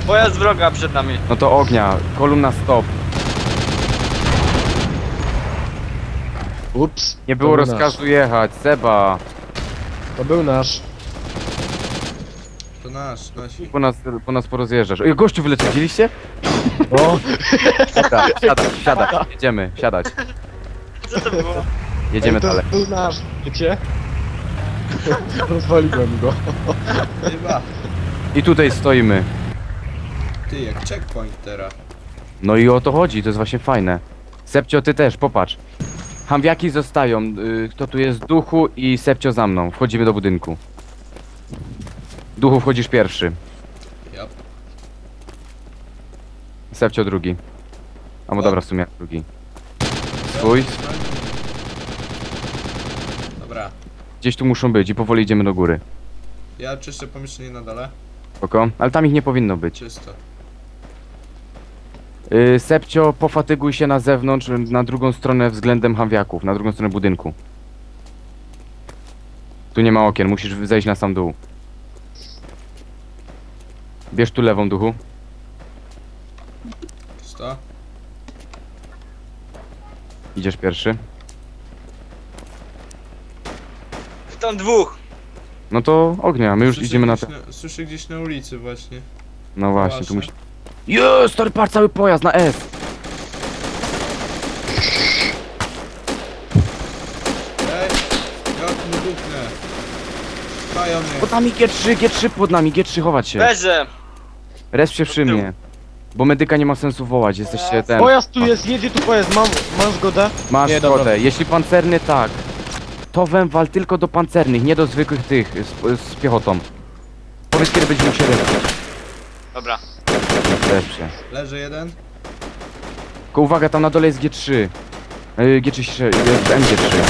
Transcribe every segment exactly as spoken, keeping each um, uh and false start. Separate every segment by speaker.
Speaker 1: Pojazd wroga przed nami.
Speaker 2: No to ognia, kolumna stop.
Speaker 3: Ups.
Speaker 2: Nie było
Speaker 3: to był
Speaker 2: rozkazu
Speaker 3: nasz.
Speaker 2: jechać, Seba.
Speaker 3: To był nasz.
Speaker 4: To nasz, nasi.
Speaker 2: Po nas, po nas porozjeżdżasz. Ej, gościu wyleciał, widzieliście?
Speaker 3: O,
Speaker 2: Dobra, siadać, siadać, jedziemy, siadać.
Speaker 1: Co to było?
Speaker 2: Jedziemy
Speaker 3: ej, to
Speaker 2: dalej.
Speaker 3: był nasz, wiecie? Rozwaliłem go.
Speaker 4: Chyba.
Speaker 2: I tutaj stoimy.
Speaker 4: Ty, jak checkpoint teraz.
Speaker 2: No i o to chodzi, to jest właśnie fajne. Sepcio, ty też, popatrz. Hamwiaki zostają. y, Kto tu jest? Duchu i Sepcio za mną. Wchodzimy do budynku. Duchu, wchodzisz pierwszy.
Speaker 4: Yep.
Speaker 2: Sepcio drugi. A no dobra, w sumie drugi. Swój.
Speaker 4: Dobra.
Speaker 2: Gdzieś tu muszą być i powoli idziemy do góry.
Speaker 4: Ja czyszczę pomieszczenie na dole.
Speaker 2: Spoko? Ale tam ich nie powinno być.
Speaker 4: Czysto.
Speaker 2: Yy, Sepcio, pofatyguj się na zewnątrz, na drugą stronę względem hamwiaków, na drugą stronę budynku. Tu nie ma okien, musisz zejść na sam dół. Bierz tu lewą, duchu.
Speaker 4: Czysto.
Speaker 2: Idziesz pierwszy.
Speaker 1: Tam dwóch.
Speaker 2: No to ognia, my już
Speaker 4: Słyszę
Speaker 2: idziemy na
Speaker 4: gdzieś
Speaker 2: te...
Speaker 4: na... Słyszę gdzieś na ulicy właśnie.
Speaker 2: No właśnie,
Speaker 4: Wasze.
Speaker 2: tu musi... Jest, stary, patrz, cały pojazd na S!
Speaker 4: Ej! Jak mu dupnę. Pają mnie.
Speaker 2: Pod nami G trzy, G trzy pod nami, G trzy, chować się.
Speaker 1: Leżę.
Speaker 2: Resp się przy
Speaker 1: Od tyłu.
Speaker 2: mnie. Bo medyka nie ma sensu wołać, jesteście ten...
Speaker 3: Pojazd tu jest, jedzie tu pojazd, mam, mam zgodę?
Speaker 2: Masz
Speaker 3: Nie, dobra.
Speaker 2: zgodę, jeśli pancerny, tak. To węwal tylko do pancernych, nie do zwykłych tych, z, z piechotą. Powiedz, kiedy będziemy się respić.
Speaker 1: Dobra.
Speaker 2: Resp się.
Speaker 4: Leży jeden.
Speaker 2: Tylko uwaga, tam na dole jest G trzy. Yy, G trzy, jest M G trzy.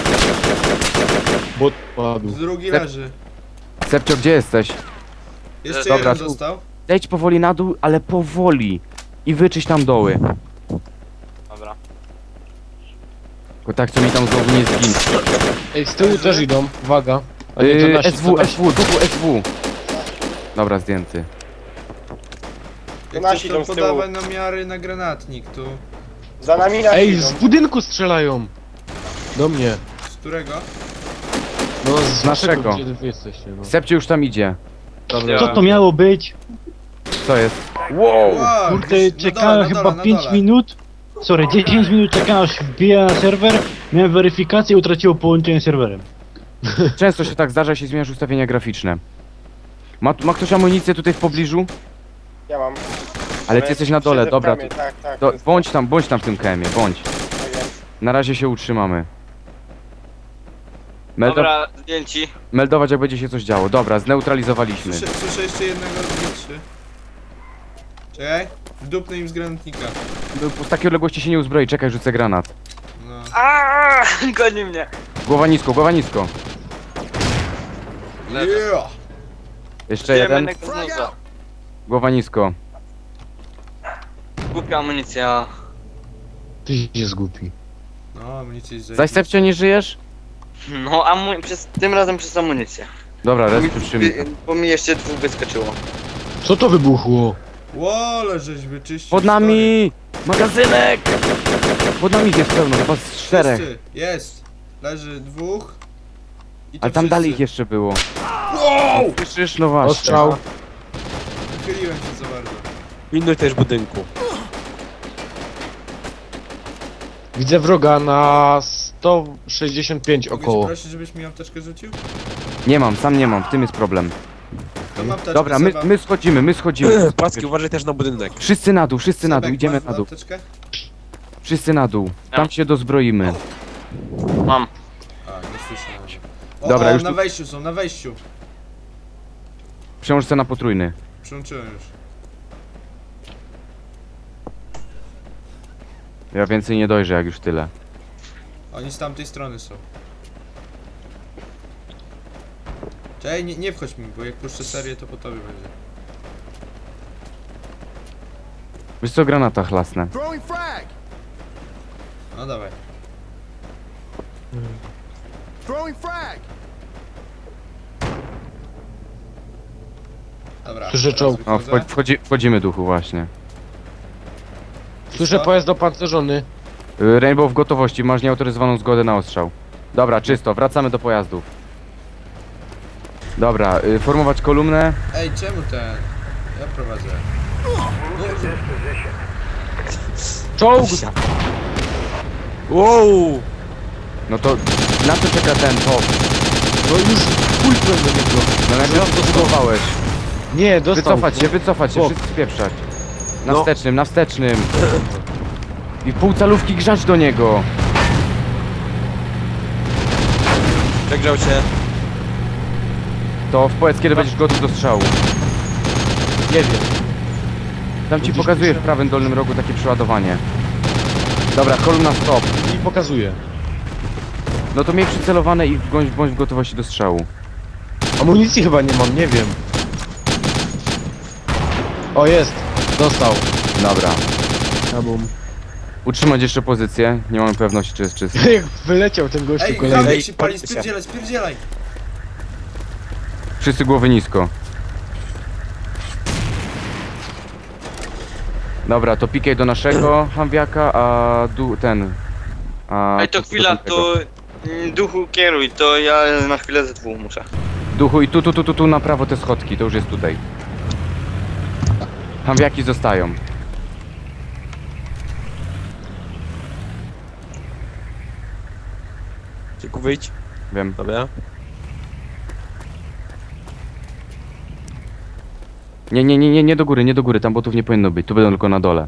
Speaker 3: Bot padł.
Speaker 4: Drugi
Speaker 2: Sep-
Speaker 4: leży.
Speaker 2: Sepcio, gdzie jesteś?
Speaker 4: Jeszcze
Speaker 2: Dobra,
Speaker 4: jeden
Speaker 2: tu-
Speaker 4: został.
Speaker 2: Zejdź powoli na dół, ale powoli. I wyczyść tam doły.
Speaker 1: Dobra.
Speaker 2: Bo tak, co mi tam znowu nie zginie.
Speaker 3: Ej, z tyłu też idą, uwaga. A nie, to
Speaker 2: Yy,
Speaker 3: nasi,
Speaker 2: S W,
Speaker 3: to nasi.
Speaker 2: S W, duchu S W. Dobra, zdjęty.
Speaker 4: Jak
Speaker 5: nasi
Speaker 4: chcesz, to
Speaker 5: idą z tyłu.
Speaker 4: podawaj namiary na granatnik tu.
Speaker 5: Za nami nasi
Speaker 3: Ej,
Speaker 5: idą.
Speaker 3: z budynku strzelają. Do mnie.
Speaker 4: Z którego?
Speaker 3: No z
Speaker 2: naszego.
Speaker 3: naszego, gdzie wy jesteście, no.
Speaker 2: Sepcio już tam idzie.
Speaker 3: Dobra.
Speaker 6: Co to miało być?
Speaker 2: Co jest? Wow!
Speaker 4: Wow,
Speaker 6: Kurde,
Speaker 4: gdzieś na
Speaker 6: czekałem
Speaker 4: dole, na
Speaker 6: chyba
Speaker 4: dole, na
Speaker 6: pięć
Speaker 4: dole.
Speaker 6: minut. Sorry, dziesięć minut czekałem aż wbija na serwer. Miałem weryfikację i utraciło połączenie z serwerem.
Speaker 2: Często się tak zdarza, jeśli zmieniasz ustawienia graficzne. Ma, ma ktoś amunicję tutaj w pobliżu?
Speaker 5: Ja mam.
Speaker 2: Ale ty jesteś na dole,
Speaker 5: Siedzę w
Speaker 2: dobra.
Speaker 5: kramie,
Speaker 2: To,
Speaker 5: Tak, tak.
Speaker 2: to
Speaker 5: jest-
Speaker 2: bądź tam, bądź tam w tym K M-ie, bądź.
Speaker 5: tak jest.
Speaker 2: Na razie się utrzymamy. Meldo
Speaker 1: Dobra, zdjęci.
Speaker 2: meldować, jak będzie się coś działo. Dobra, zneutralizowaliśmy.
Speaker 4: Słyszę, słyszę jeszcze jednego z trzy. Czekaj. Wdupnę im z granatnika.
Speaker 2: Z takiej odległości się nie uzbroi, czekaj, rzucę granat.
Speaker 4: No.
Speaker 1: Aaaa, goni mnie.
Speaker 2: Głowa nisko, głowa nisko.
Speaker 1: Leżę.
Speaker 4: Yeah!
Speaker 2: Jeszcze
Speaker 1: Zdejmę
Speaker 2: jeden.
Speaker 1: jednego z noza.
Speaker 2: Głowa nisko.
Speaker 1: Głupia amunicja.
Speaker 3: Ty jest głupi.
Speaker 4: No, amunicja jest
Speaker 2: Zaś Sepcio, nie żyjesz?
Speaker 1: No, amu... przez... tym razem przez amunicję.
Speaker 2: Dobra,
Speaker 1: Bo mi,
Speaker 2: res przy mnie.
Speaker 1: bo mi jeszcze dwóch wyskoczyło.
Speaker 3: Co to wybuchło?
Speaker 4: Łole, żeś wyczyścił.
Speaker 2: Pod nami! Magazynek! Pod nami ich jest pełno, chyba z
Speaker 4: stary.
Speaker 2: czterech.
Speaker 4: Wszyscy. Jest. Leży dwóch. I to
Speaker 2: Ale tam
Speaker 4: wszyscy.
Speaker 2: dalej ich jeszcze było.
Speaker 4: Wow!
Speaker 2: Słyszysz? No właśnie.
Speaker 3: Ostrzał.
Speaker 4: Wychyliłem się za bardzo.
Speaker 7: Pilnuj też budynku.
Speaker 3: Widzę wroga na sto sześćdziesiąt pięć
Speaker 4: Mogę cię
Speaker 3: około.
Speaker 4: prosić, żebyś mi apteczkę rzucił?
Speaker 2: Nie mam, sam nie mam, w tym jest problem.
Speaker 4: To mam apteczkę.
Speaker 2: Dobra, my,
Speaker 4: Seba.
Speaker 2: my schodzimy, my schodzimy.
Speaker 7: Płacki, uważaj też na budynek.
Speaker 2: Wszyscy na dół, wszyscy na dół,
Speaker 4: Sebek,
Speaker 2: idziemy
Speaker 4: masz
Speaker 2: na dół.
Speaker 4: apteczkę?
Speaker 2: Wszyscy na dół. Tam
Speaker 1: Ja.
Speaker 2: się dozbroimy.
Speaker 1: Mam.
Speaker 4: A, nie słyszę na razie. O,
Speaker 2: Dobra,
Speaker 4: o,
Speaker 2: już
Speaker 4: na
Speaker 2: tu-
Speaker 4: wejściu są, na wejściu.
Speaker 2: Przełącz se na potrójny.
Speaker 4: Przyłączyłem już.
Speaker 2: Ja więcej nie dojrzę, jak już tyle.
Speaker 4: Oni z tamtej strony są. Czekaj, nie, nie wchodź mi, bo jak puszczę serię, to po tobie będzie.
Speaker 2: Wiesz co, granata chlasnę.
Speaker 4: No dawaj. Dobra.
Speaker 3: Słyszę
Speaker 4: teraz
Speaker 3: czołg.
Speaker 2: O,
Speaker 4: wychodzę.
Speaker 2: wchodzi, wchodzi, wchodzimy duchu właśnie.
Speaker 3: Słyszę
Speaker 4: Co?
Speaker 3: pojazd opancerzony.
Speaker 2: Y, Rainbow w gotowości, masz nieautoryzowaną zgodę na ostrzał. Dobra, czysto, wracamy do pojazdów. Dobra, y, formować kolumnę.
Speaker 4: Ej, czemu ten? Ja prowadzę. No,
Speaker 3: Czołg!
Speaker 7: Wow!
Speaker 2: No to na co czeka ten top?
Speaker 3: No już pulpem do niego.
Speaker 2: No najpierw to spróbowałeś.
Speaker 3: Nie, dostał.
Speaker 2: Wycofać się, wycofać się,
Speaker 3: Bok.
Speaker 2: wszyscy spieprzać. Na
Speaker 7: No.
Speaker 2: wstecznym, na wstecznym. I w pół calówki grzać do niego.
Speaker 7: Przegrzał się.
Speaker 2: To powiedz kiedy będziesz gotów do strzału.
Speaker 3: Nie wiem.
Speaker 2: Tam ci
Speaker 3: Gdzieś
Speaker 2: pokazuje
Speaker 3: pisze.
Speaker 2: w prawym dolnym rogu takie przeładowanie. Dobra, kolumna stop.
Speaker 3: I pokazuje.
Speaker 2: No to miej przycelowane i bądź, bądź w gotowości do strzału.
Speaker 3: Amunicji chyba nie mam, nie wiem. O, jest. Dostał.
Speaker 2: Dobra.
Speaker 3: Kabum.
Speaker 2: Utrzymać jeszcze pozycję. Nie mamy pewności czy jest czysty.
Speaker 3: Jak wyleciał ten gościu
Speaker 4: ej,
Speaker 3: kolejny.
Speaker 4: Hamik się pali, spierdzielaj, spierdzielaj!
Speaker 2: Wszyscy głowy nisko. Dobra, to pikaj do naszego Hamwiaka, a du ten... A
Speaker 1: Ej, to
Speaker 2: do
Speaker 1: chwila,
Speaker 2: tamtego.
Speaker 1: to mm, duchu kieruj, to ja na chwilę ze dwóch muszę.
Speaker 2: Duchu i tu, tu, tu, tu, tu na prawo te schodki, to już jest tutaj. Hamwiaki zostają.
Speaker 7: Cieku, wyjdź.
Speaker 2: Wiem.
Speaker 7: Dobra.
Speaker 2: Nie, nie, nie, nie, nie do góry, nie do góry, tam botów nie powinno być, tu będą tylko na dole.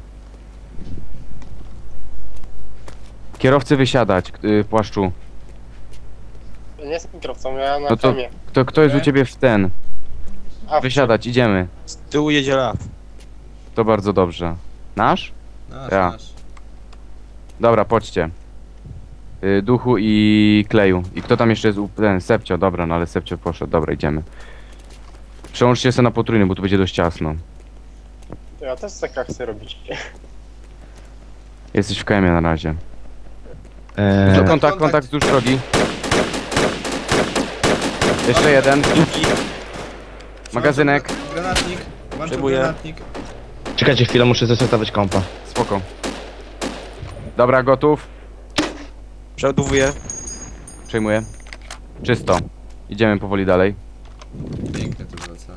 Speaker 2: Kierowcy wysiadać, yy, płaszczu.
Speaker 5: Nie jestem kierowcą, ja na
Speaker 2: No to
Speaker 5: femie.
Speaker 2: kto, kto jest u ciebie w ten?
Speaker 5: A,
Speaker 2: Wysiadać, idziemy.
Speaker 7: Z tyłu jedzie Raf.
Speaker 2: To bardzo dobrze. Nasz?
Speaker 4: Nasz,
Speaker 2: Ja.
Speaker 4: nasz.
Speaker 2: Dobra, poczcie. Y, duchu i kleju. I kto tam jeszcze jest? u- Ten, Sepcio, dobra, no ale Sepcio poszedł, dobra, idziemy. Przełączcie się na potrójny, bo tu będzie dość ciasno.
Speaker 5: To ja też tak chcę robić.
Speaker 2: Jesteś w K M-ie na razie.
Speaker 3: Eee,
Speaker 2: kontakt,
Speaker 4: kontakt.
Speaker 2: kontakt wzdłuż drogi. Jeszcze jeden. Magazynek.
Speaker 4: Granatnik. Masz tu
Speaker 7: Przyjmuję.
Speaker 4: granatnik.
Speaker 6: Czekajcie chwilę, muszę zesetować kompa.
Speaker 2: Spoko. Dobra, gotów.
Speaker 7: Przeładowuję.
Speaker 2: Przejmuję. Czysto. Idziemy powoli dalej.
Speaker 4: Piękne to wraca.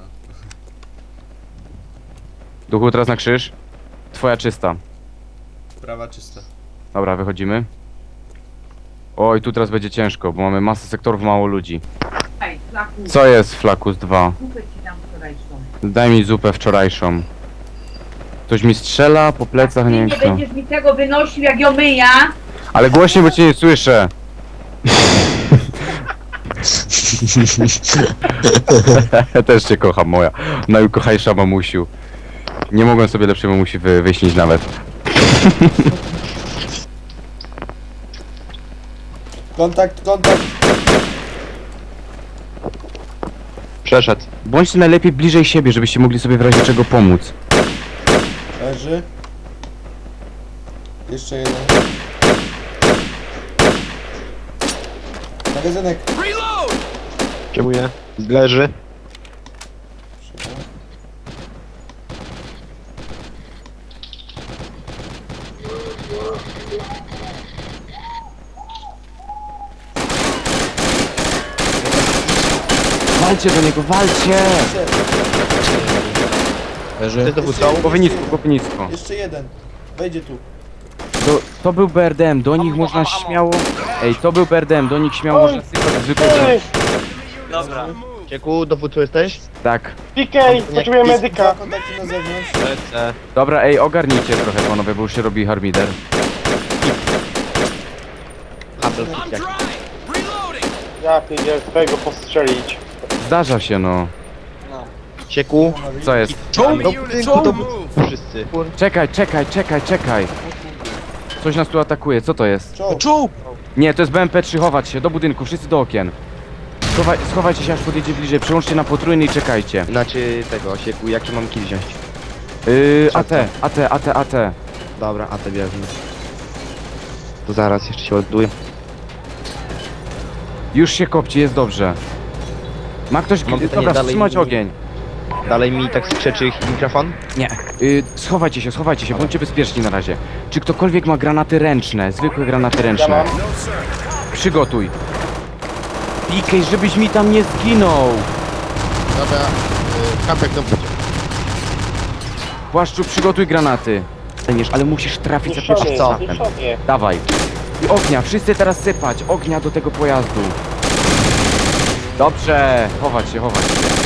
Speaker 2: Duchu, teraz na krzyż. Twoja czysta.
Speaker 4: Prawa czysta.
Speaker 2: Dobra, wychodzimy. Oj, tu teraz będzie ciężko, bo mamy masę sektorów, mało ludzi.
Speaker 8: Ej, flaku,
Speaker 2: Co jest Flakus dwa?
Speaker 8: zupę ci dam wczorajszą.
Speaker 2: Daj mi zupę wczorajszą. Ktoś mi strzela po plecach,
Speaker 8: Ty
Speaker 2: nie
Speaker 8: nie
Speaker 2: wiem kto.
Speaker 8: będziesz mi tego wynosił jak ją myja.
Speaker 2: Ale głośniej, bo cię nie słyszę. Ja też cię kocham, moja najukochajsza mamusiu. Nie mogłem sobie lepszej mamusi wy, wyśnić nawet.
Speaker 4: Kontakt, kontakt.
Speaker 6: Przeszedł.
Speaker 2: Bądźcie najlepiej bliżej siebie, żebyście mogli sobie w razie czego pomóc.
Speaker 4: Leży. Jeszcze jeden. Magazynek.
Speaker 6: Przejmuję. Leży.
Speaker 2: Walcie do niego, walcie!
Speaker 3: leży.
Speaker 6: to wysłał?
Speaker 2: Głowy nisko, głowy nisko.
Speaker 4: Jeszcze jeden. Wejdzie tu.
Speaker 2: To, to był B R D M, do nich można śmiało... Ej, to był B R D M, do nich śmiało można sypać zwykłe...
Speaker 1: Dobra.
Speaker 6: Cieku, dowódco jesteś?
Speaker 2: Tak.
Speaker 5: P K, potrzebuję
Speaker 4: Dwa
Speaker 5: medyka.
Speaker 4: kontakty na zewnątrz.
Speaker 6: Lecę.
Speaker 2: Dobra, ej, ogarnijcie trochę panowie, bo już się robi harmider.
Speaker 6: Handel jak.
Speaker 5: Ja pierdzielę, twojego postrzelić.
Speaker 2: Zdarza się, no.
Speaker 6: Cieku.
Speaker 2: Co jest?
Speaker 6: Czołg! Do budynku, do budynku. Wszyscy.
Speaker 2: Czekaj, czekaj, czekaj, czekaj. Coś nas tu atakuje, co to jest?
Speaker 4: Czołg.
Speaker 7: Czołg!
Speaker 2: Nie, to jest B M P trzy, chować się, do budynku, wszyscy do okien. Schowaj, schowajcie się aż podjedzie bliżej, przełączcie na potrójny i czekajcie.
Speaker 6: Znaczy tego, Cieku, jaki mam kill wziąć?
Speaker 2: Yy, A T, A T, A T, A T.
Speaker 6: Dobra, a te bierzmy. To zaraz jeszcze się ładuję.
Speaker 2: Już się kopci, jest dobrze. Ma ktoś...
Speaker 6: Mam pytanie
Speaker 2: Dobra,
Speaker 6: dalej.
Speaker 2: wstrzymać ogień.
Speaker 3: Dalej mi tak krzyczy ich mikrofon?
Speaker 2: Nie. Y, schowajcie się, schowajcie się, bądźcie bezpieczni na razie. Czy ktokolwiek ma granaty ręczne, zwykłe granaty
Speaker 5: Ja
Speaker 2: ręczne?
Speaker 5: mam.
Speaker 2: Przygotuj. Pikej, żebyś mi tam nie zginął.
Speaker 9: Dobra, y, kampek tam będzie.
Speaker 2: Płaszczu, przygotuj granaty. Ale musisz trafić za
Speaker 5: Zniszczony
Speaker 2: pierwszym
Speaker 5: jest,
Speaker 2: trafem.
Speaker 5: zniszczony.
Speaker 2: Dawaj. I ognia, wszyscy teraz sypać. Ognia do tego pojazdu. Dobrze, chować się, chować się.